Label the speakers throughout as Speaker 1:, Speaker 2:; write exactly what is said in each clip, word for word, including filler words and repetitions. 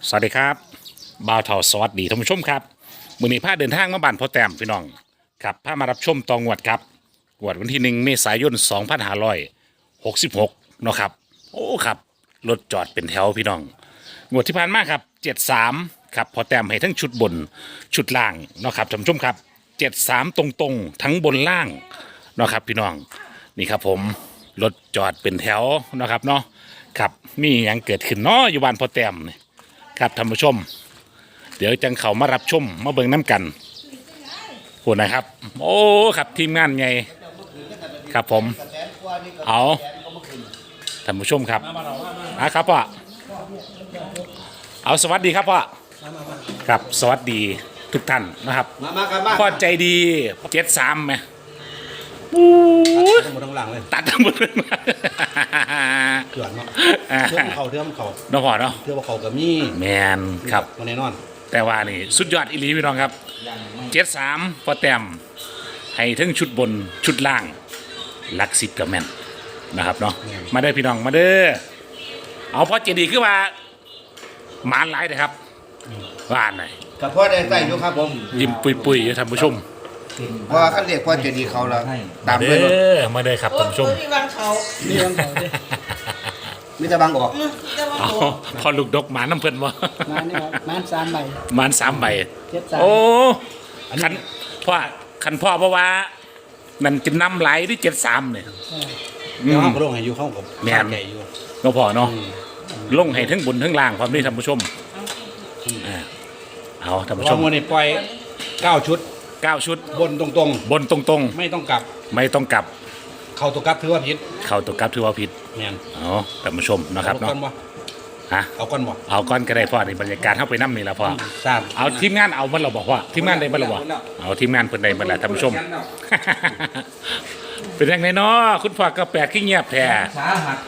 Speaker 1: สวัสดีครับบ่าวเถาสวัสดีท่านผู้ชมครับมื้อนี้พาเดินทางมาบ้านพ่อแต้มพี่น้องครับพามารับชมตองวดครับงวดวันที่หนึ่งเมษายนสองพันห้าร้อยหกสิบหกเนาะครับโอ้ครับรถจอดเป็นแถวพี่น้องงวดที่ผ่านมาครับเจ็ดสามครับพ่อแต้มให้ทั้งชุดบนชุดล่างเนาะครับท่านผู้ชมครับเจ็ดสามตรงๆทั้งบนล่างเนาะครับพี่น้องนี่ครับผมรถจอดเป็นแถวเนาะครับเนาะครับมีอย่างเกิดขึ้นเนาะอยู่บ้านพ่อแต้มนี่ครับท่านผู้ชมเดี๋ยวจังเขามารับชมมาเบิ่งน้ำกันพูดนะครับโอ้ครับทีมงานไงครับผมเอาท่านผู้ชมครับอ่ะครับพ่อเอาสวัสดีครับพ่อครับสวัสดีทุกท่านนะครับพ่อใจดีเจ็ดสามไหม
Speaker 2: ทั้งหมดทั้งหลังเลย
Speaker 1: ตัดทั้งหมดเลยมา
Speaker 2: เถื่อนเนาะเถื่อนเขาเถื่อนเขา
Speaker 1: เนาะพ่อเนาะ
Speaker 2: เถื่อนเขากับมี
Speaker 1: แมนครับ
Speaker 2: มาแน่นอน
Speaker 1: แต่ว่านี่สุดยอดอีหลีพี่น้องครับเจ็ดสามพอแต้มให้ทั้งชุดบนชุดล่างหลักสิบกับแมนนะครับเนาะมาเด้อพี่น้องมาเด้อเอาพอเจดีขึ้นมาหมานหลายนะครับว่าอันไหน
Speaker 3: กับพ่อได้ใส่อยู่ครับผม
Speaker 1: ยิ้มปุยๆอยู่ท่านผู้ชม
Speaker 3: เพราะว่าขั้นเรียกพ่อจะดีเขาแล้วตาม
Speaker 1: เด้
Speaker 3: ด้วยรถ
Speaker 1: อมาเด้อครับท่านผู้ชม
Speaker 4: มีบางเขา
Speaker 2: นี่ต้องเขาดิ
Speaker 3: มิจะบังออก
Speaker 4: แต่ว่า
Speaker 1: เอา
Speaker 4: โอ้
Speaker 1: พอลูกดกหมาน้ำเพิ่นบ่
Speaker 5: มานี่ครับมาสามใบ
Speaker 1: หมานสามใบ
Speaker 5: เจ็ดสาม
Speaker 1: โอ้คันพ่อคันพ่อเพราะว่ามันจะนำไหลที่เจ็ดสามเนี่ย
Speaker 2: เดี๋ยวห้องก็ลงให้อยู่เข้ากับ
Speaker 1: แม่น
Speaker 2: แก่อยู่
Speaker 1: ก็พอเนาะลงให้ทั้งบนทั้งล่างความนี้ท่านผู้ชมอ่าเอาท่านผู้
Speaker 2: เพ
Speaker 1: ช
Speaker 2: ราะ
Speaker 1: ม
Speaker 2: วันนี้ปล่อยเก้าชุด
Speaker 1: เก้าชุด
Speaker 2: บนตรง
Speaker 1: บนตรง
Speaker 2: ๆ ไม่ต้องกลับ
Speaker 1: ๆ ไม่ต้องกลับ
Speaker 2: เข้าตัวกลับถือว่าผิด
Speaker 1: เข้าตัวกลับถือว่าผิด
Speaker 2: แม่น
Speaker 1: เอาท่านผู้ชมนะครับ
Speaker 2: เอาก้
Speaker 1: เนาะ
Speaker 2: อนบ่
Speaker 1: ฮะ
Speaker 2: เอาก้อนบ่
Speaker 1: เอาก้อนก็ได้พ่อในบรรยากาศเข้าไปน้ำนี่ละพ่อ
Speaker 2: ทราบ
Speaker 1: เอาทีมงานเอามันเราบอกว่าทีมงานได้มันเราบอกเอาทีมงานเพิ่นได้มันแหละท่านผู้ชม เป็นยังไงเนาะคุณพ่อก็แปลกขี้เงียบแท้
Speaker 5: สาหัส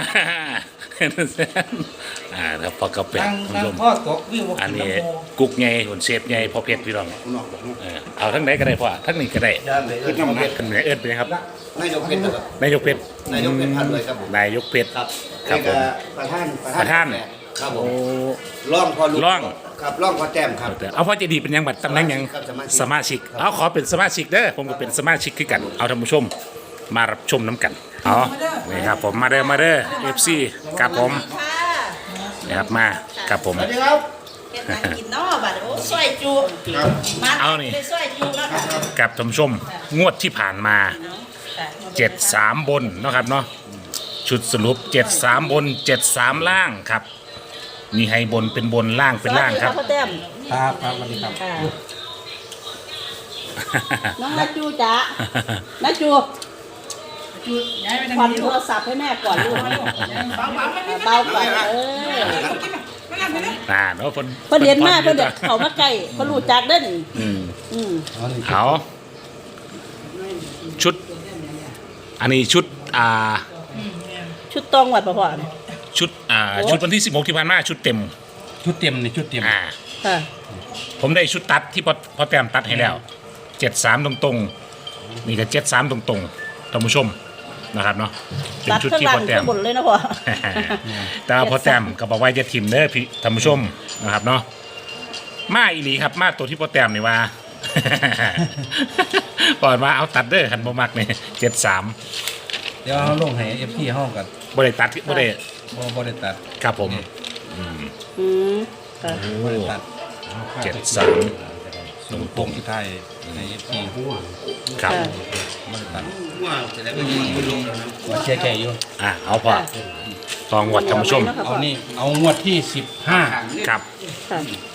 Speaker 1: อ่าแล้วพ่อก็แปลก
Speaker 5: ตั้ง
Speaker 1: คุณ
Speaker 5: ตั้
Speaker 1: ผู้
Speaker 5: ง
Speaker 1: ชม
Speaker 5: พ่อตกวิว
Speaker 1: อันนี้กุ๊กไงหุ่นเซฟไงพอเพชรพี่น้องเออเอาทั้งไหนก็ได้พ่อทั้งนี้ก็ได้
Speaker 3: ขึ้นน้ำเพชร
Speaker 1: ขึ้นไหนเอิ้นไปครับ
Speaker 3: นายกเพชรครับ
Speaker 1: นายกเพชร
Speaker 3: นายกเพชรพันเลยครับผม
Speaker 1: นายกเพชร
Speaker 3: ครับ
Speaker 1: ครับผม
Speaker 3: ประธาน
Speaker 1: ประธาน
Speaker 3: ครับผ
Speaker 1: โอ้
Speaker 3: มร่องพอลูก
Speaker 1: ร่อง
Speaker 3: ครับร่องพอแต้มครับ
Speaker 1: เอาพ่อเจดีเป็นยังบัดตำแหน่งยัง
Speaker 3: ครับสมาชิก
Speaker 1: สมาชิกเอาขอเป็นสมาชิกเด้อผมก็เป็นสมาชิกคือกันเอาท่านผู้ชมมารับชมน้ำกันเอานี่ครับผมมาเด้อมาเด้อเอฟซีกับผม
Speaker 4: ค่ะ
Speaker 1: นี่ครับมากับผม
Speaker 3: สวัสดีครับ
Speaker 4: เฮ็ดหยังกินเนาะบัดโอ้ซอยจุ
Speaker 3: ครับ
Speaker 4: มา
Speaker 1: เอานี่
Speaker 4: ได้ซอยจุเนาะค่ะ
Speaker 1: กับท่านผู้ชมงวดที่ผ่านมาเจ็ดสามบนเนาะครับเนาะชุดสรุปเจ็ดสามบนเจ็ดสามล่างครับมีให้บนเป็นบนล่างเป็นล่างครับ
Speaker 4: พ่อแต้ม
Speaker 2: ครับครับสวัสดีครับ
Speaker 4: ค่ะน้องนัจูจ๋านัจูควันโทรศัพท์ให้แม่ก่อนลูกเบาก่อนเออ
Speaker 1: อ่าเนาะเพิ่น
Speaker 4: เพิ่นเรียนมาเพิ่นเด็กเขามาใกล้เพิ่นรู้จักเด้อนี่
Speaker 1: อืม
Speaker 4: อืม
Speaker 2: เอานี่
Speaker 1: เอาชุด อันนี้ชุดอ่า
Speaker 4: ชุดตองวัดบ่พ่อ
Speaker 1: ชุดอ่าชุดวันที่สิบหกที่ผ่านมาชุดเต็ม
Speaker 2: ชุดเต็มนี่ชุดเต็ม
Speaker 1: อ่า
Speaker 4: ค่ะ
Speaker 1: ผมได้ชุดตัดที่พอพอแต้มตัดให้แล้วเจ็ดสามตรงๆนี่ก็เจ็ดสามตรงๆท่านผู้ชมนะครับเนาะเป็น
Speaker 4: ตัด
Speaker 1: ชุด
Speaker 4: ข้าง
Speaker 1: ที่
Speaker 4: ล่าง
Speaker 1: พอแต้
Speaker 4: ข้าม งบนเลยนะพ่อ
Speaker 1: แต่ว่าพอแต้มก็บอกว่าจะทิมเด้อพี่ท่านผู้ชมนะครับเนาะมาอีหลีครับมาตัวที่พอแต้มนี่ว่า ก่อนว่าเอาตัดเด้อคันบ่มักนี่เจ็ดสาม
Speaker 2: เดี๋ยวเอาลงให้เอฟซีห้องกัน
Speaker 1: บ่ได้ตัดบ่ได้
Speaker 2: บ่บ่ได้ตัด
Speaker 1: ครับผม
Speaker 4: อืมค่ะ
Speaker 2: บ่ได้ตัด
Speaker 1: เจ็ดสาม
Speaker 2: ตรงตรงที่ไทยในเอฟซี
Speaker 1: ครับ
Speaker 4: ค่ะ
Speaker 2: บ่ได้ตัด
Speaker 3: ว่าจะได้ไม่ยิงคุณลุงแล้วนะ
Speaker 2: ว่าเชียร์แก่อยู่
Speaker 1: อ่ะเอาพอทองวัดท่านผู้ชม
Speaker 2: เอานี่เอางวดที่สิบห้า
Speaker 1: ครับ
Speaker 4: ค่ะ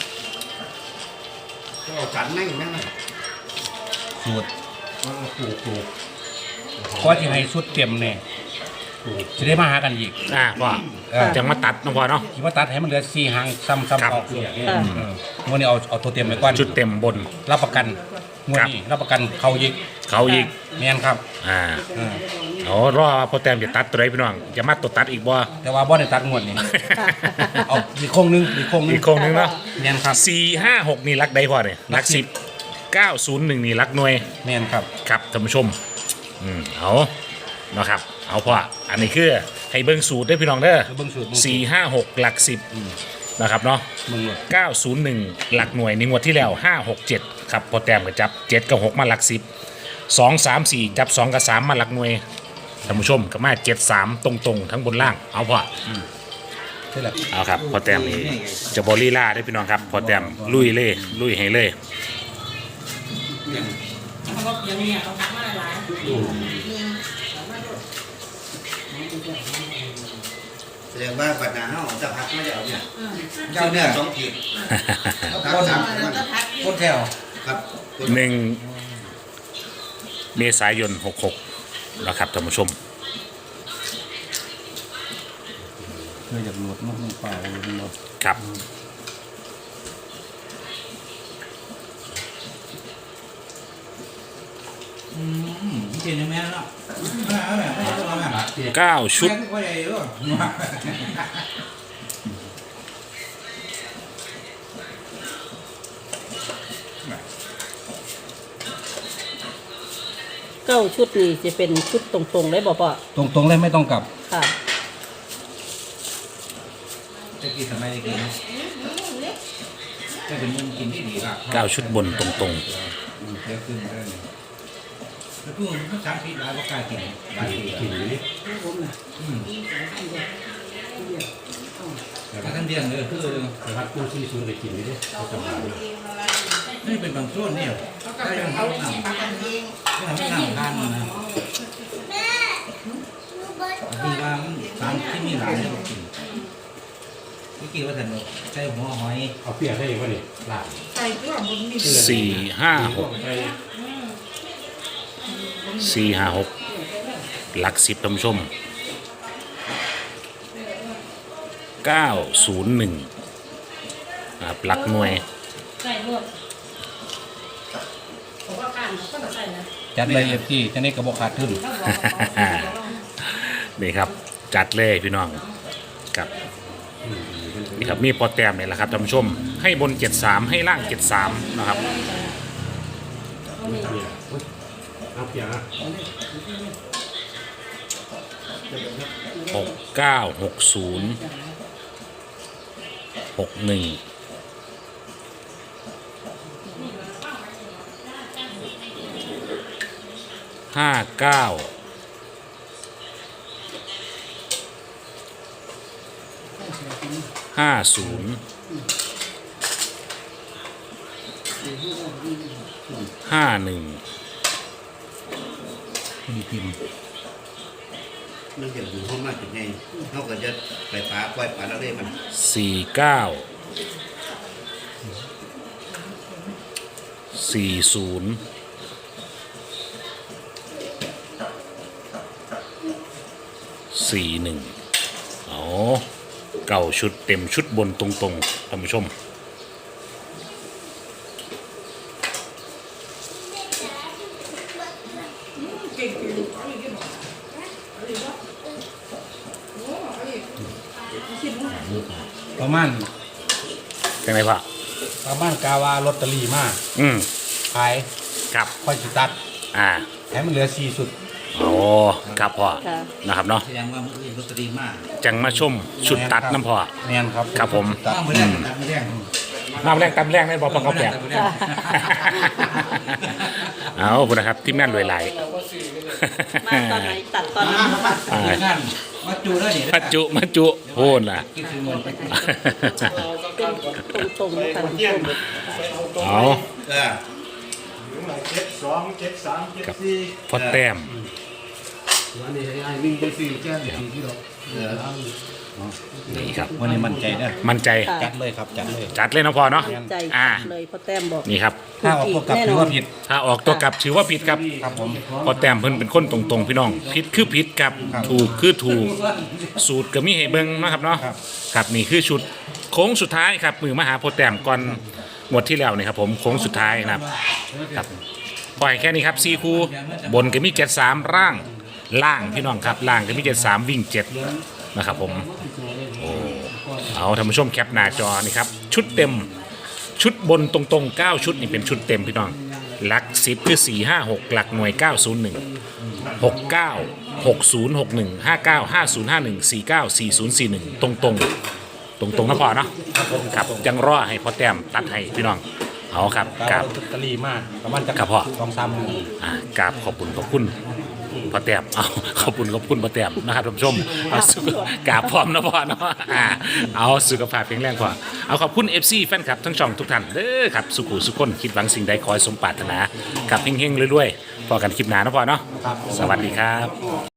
Speaker 3: ก็ฉันนั่งนั่ง
Speaker 2: สูตรถูกถูกเพราะที่ให้สุดเต็มเนี่ยจะได้มาหากันอีก
Speaker 1: อ่ะพ่อ
Speaker 2: เออ
Speaker 1: จังมาตัดเนาะพ่อเนาะ
Speaker 2: คิดว่าตัดให้มันเหลือสี่หางซ้ำ
Speaker 1: ครับ
Speaker 2: ซ้ำออกเออวันนี้เอาเอาตัวเต็มไปก่อน
Speaker 1: ชุดเต็มบน
Speaker 2: รับประกันงวดนี้รับประกันเขายิก
Speaker 1: เขาอีก
Speaker 2: แม่นครับ
Speaker 1: อ่า
Speaker 2: เออ
Speaker 1: เอารอพอแต้มจะตัดตัวไหนพี่น้องจะมาตัวตัดอีกบ่
Speaker 2: แต่ว่าบ่ได้ตัดงวดนี้เอาอีกโค้งหนึงอีกโค้งหนึง
Speaker 1: อีกโครงหนึงเนาะ
Speaker 2: แม่นครับ
Speaker 1: สี่ห้าหกนี่รักใดพอเนี่ยรักสิบเก้าศูนย์หนึ่งนี่รักหน่วย
Speaker 2: แม่นครับ
Speaker 1: ครับท่านผู้ชมอืมเอาเนาะครับเอาพ่ออันนี้คือให้เบิ่งสูตรได้อพี่น้องเด้อ
Speaker 2: เบิ่งสูตรเบิ่งสูตร
Speaker 1: สี่ห้าหกหลักสิบนะครับเนาะ
Speaker 2: มึงเลย
Speaker 1: เก้าศูนย์หนึ่งหลักหน่วยในงวดที่แล้วห้าหกเจ็ดครับพอแต้มก็จับเจ็ดกับหกมาหลักสิบสองสามสี่จับสองกับสามมาหลักหน่วยท่านผู้ชมก็มาเจ็ดสามตรงๆทั้งบนล่างเอาพอ
Speaker 2: ใช่แหละ
Speaker 1: เอาครับพอแต้มนี่จะบอลีล่าได้พี่น้องครับพอแต้มลุยเลยลุยให้เลย
Speaker 3: แสดงว่าปัญหาเฮาจะพักไม่ได้เอาเนี่ยเจ้าเนี่ยสองขีดพักสามวัน
Speaker 2: คนแถว
Speaker 3: ครับ
Speaker 1: หนึ่งเมษายนหกหกนะครับท่านผู้ชม
Speaker 2: เพื่อจะหลุดมันเปล่าหมด
Speaker 1: ครับ
Speaker 2: เก่งยังไงล่ะไม่เอาแบบไม่เอาแบบ
Speaker 1: เก้าชุด
Speaker 2: ก็ใหญ่ด้วย
Speaker 4: เก้าชุดนี่จะเป็นชุดตรงๆเลยบ่พ่อ
Speaker 2: ตรงตรงเลยไม่ต้องกลับ
Speaker 4: ค่ะ
Speaker 2: จะกินทำไมจะกินจะเป็นมุมกินที่ดีครับ
Speaker 1: เก้าชุดบนตรง
Speaker 2: เดี๋ยวขึ้นมาได้เลยแล้วพวกมันสามปีหลายก็กล้ากินหลายปีกินเลยแต่ท่านเดียงเลยคือแต่ว่ากู้ซีซูนไปกินเลยนี่เป็นบางส่วนเนี่ยถ้ายังทำหนังถ้าทำหนังทานนะคือว่าสามที่มีหลายเนี่ยกินไม่กินว่าแต่ใช้หัวหอย
Speaker 6: เอาเปรียกได้ยังไงนี่ลาบ
Speaker 1: ๆสี่ห้าหกสี่ห้าหกหลักสิบท่านผู้ชมเก้าศูนย์หนึ่งครับหลักหน่วย
Speaker 2: จัดเลยเอฟซีจะได้กระบอกขาดทุน
Speaker 1: นี่ครับจัดเลยพี่น้องครับนี่ครับมีพอแต้มเนี่ยแหละครับท่านผู้ชมให้บนเจ็ดสามให้ล่างเจ็ดสามนะครับ
Speaker 6: เอาเปรียกนะ
Speaker 1: หกเก้าหกศูนย์หกหนึ่งห้าเก้าห้าศูนย์ห้าหนึ่ง
Speaker 2: มีพิมพ์
Speaker 3: มันจะอยู่ห้องมากจุดไงเขาก็จะไปปลาปล่อยปลาแล้วได้มัน
Speaker 1: สี่เก้าสี่ศูนย์สี่หนึ่งอ๋อเก่าชุดเต็มชุดบนตรงๆท่านผู้ชม
Speaker 2: ประมาณ
Speaker 1: เป็นไงพ่อ
Speaker 2: ประมาณกาวาลอตเตอรี่มาก
Speaker 1: อืม
Speaker 2: ขาย
Speaker 1: ครับ
Speaker 2: ค่อยจิตัด
Speaker 1: อ่า
Speaker 2: แถมมันเหลือสี่สุด
Speaker 1: โอ้ครับพ่อ
Speaker 4: ค่ะ
Speaker 1: นะครับเนาะ
Speaker 3: แสดงว่ามืออื่นลอตเตอรี่มาก
Speaker 1: จังมาชมชุดตัดน้ำพ่อ
Speaker 2: แน่นครับ
Speaker 1: ครับผม
Speaker 2: ตัด
Speaker 3: มือแรกตัดมือแรก
Speaker 1: น้ำแรงตำแรงได้บอกปองเขาแปลก เอาพูดนะครับที่แม่นรวยไหลาย
Speaker 4: มาตอนไหนตัดตอนนั้นบ่พ่อ
Speaker 1: อ่า
Speaker 2: งานมาจูได้เนี่ย
Speaker 1: มาจุมาจุโพูนล่ะ
Speaker 2: กินถึงเงิน
Speaker 4: เป็นตรงๆค่ะท่านผู้ชม
Speaker 1: เอา
Speaker 3: เออ
Speaker 6: เจ็ดสองเจ็ดสามเจ็ด
Speaker 1: กับ
Speaker 6: สี่
Speaker 1: พอแต้ม
Speaker 6: วันนี้ไอ้วิ่งไปสี่แก้มสี่ที่เรา
Speaker 1: นี่ครับ
Speaker 2: วันนี้มั่นใจนะ
Speaker 1: มั่นใจ
Speaker 2: จัดเลยครับจัดเลย
Speaker 1: จัดเลยนะพ่อเนาะ
Speaker 4: ใจ
Speaker 1: อ่า
Speaker 4: เลยพ่อแต้มบอก
Speaker 1: นี่ครับ
Speaker 2: ถ้าออกตัวกลับถือว่าผิด
Speaker 1: ถ้าออกตัวกลับถือว่าผิดครับ
Speaker 2: ครับผม
Speaker 1: พอแต้มเพิ่นเป็นคนตรงๆพี่น้องผิดคือผิดครับ
Speaker 2: ครับ
Speaker 1: ถูกคือถูกสูตรก็มีให้เบิ่งนะครับเนาะ
Speaker 2: ครับ
Speaker 1: ครับนี่คือชุดโค้งสุดท้ายครับมือมหาโพธิ์แต้มก่อนงวดที่แล้วนี่ครับผมโค้งสุดท้ายนะครับครับปล่อยแค่นี้ครับซีคูบนก็มีเจ็ดสามร่างล่างพี่น้องครับล่างก็มีเจ็ดสามวิ่งเจ็ดนะครับผมโอ้เอาท่านผู้ชมแคปหน้าจอนี่ครับชุดเต็มชุดบนตรงๆเก้าชุดนี่เป็นชุดเต็มพี่น้องหลักสิบคือสี่ห้าหกหลักหน่วยเก้าศูนย์หนึ่งหกเก้าหกศูนย์หกหนึ่งห้าเก้าห้าศูนย์ห้าหนึ่งสี่เก้าสี่ศูนย์สี่หนึ่งตรงๆตรงๆนะพ่อเนาะครับจังรอให้พ่อแต้มตัดให้พี่น้องเอาครับ
Speaker 2: กา
Speaker 1: กั
Speaker 2: บบ ลอตเตอรี่มากประมาณจะ
Speaker 1: ครับพ่อ
Speaker 2: สองสามหมื่น
Speaker 1: อ่ากราบขอบคุณขอบคุณพ่อแต้มเอาขอบคุณขอบคุณพ่อแต้มนะครับท่านผู้ชมเอาสุขกราบพร้อมนะพ่อเนาะอ่าเอาสุขภาพแข็งแรงพ่อเอาขอบคุณ เอฟ ซี แฟนคลับทั้งช่องทุกท่านเด้อครับสุขุสุขคนคิดหวังสิ่งใดขอให้สมปรารถนากับเฮงๆรวยๆพอกันคลิปหน้านะพ่อเนาะสวัสดีครับ